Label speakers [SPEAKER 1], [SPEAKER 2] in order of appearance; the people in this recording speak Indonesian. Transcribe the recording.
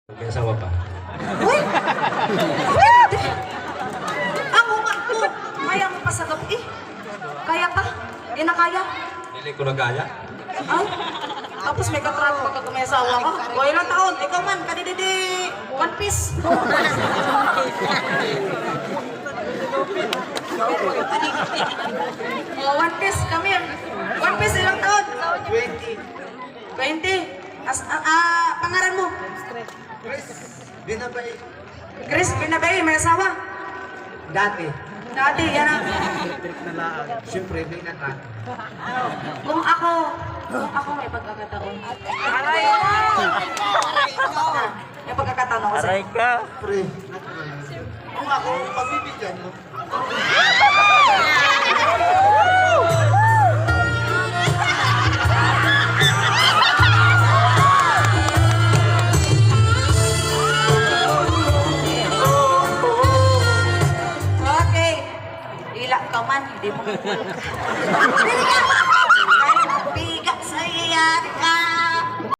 [SPEAKER 1] May asawa pa.
[SPEAKER 2] Uy! Pwede! Ang umat ko! Kaya mo pa sa gabi. Kaya ka? Di na kaya?
[SPEAKER 1] Hindi ko na kaya.
[SPEAKER 2] Ay? Tapos may katrato ka kung may asawa ka. O ilang taon? Ikaw man, kadididi. One Piece. O, One Piece, kami. One Piece, ilang taon?
[SPEAKER 3] 20.
[SPEAKER 2] 20. Pangaran mo?
[SPEAKER 3] Chris, binabay.
[SPEAKER 2] Chris, pinabay, may asawa.
[SPEAKER 3] Dati.
[SPEAKER 2] Dati, yan ang...
[SPEAKER 3] Electric na lang. Siyempre, may nakat.
[SPEAKER 2] Kung ako may pagkakataon. Aray ko! May pagkakataon ako sa'yo.
[SPEAKER 4] ka.
[SPEAKER 3] Pre, kung ako, pagbibigyan mo.
[SPEAKER 2] Okay. Ila ka man, hindi mo. Pili ka!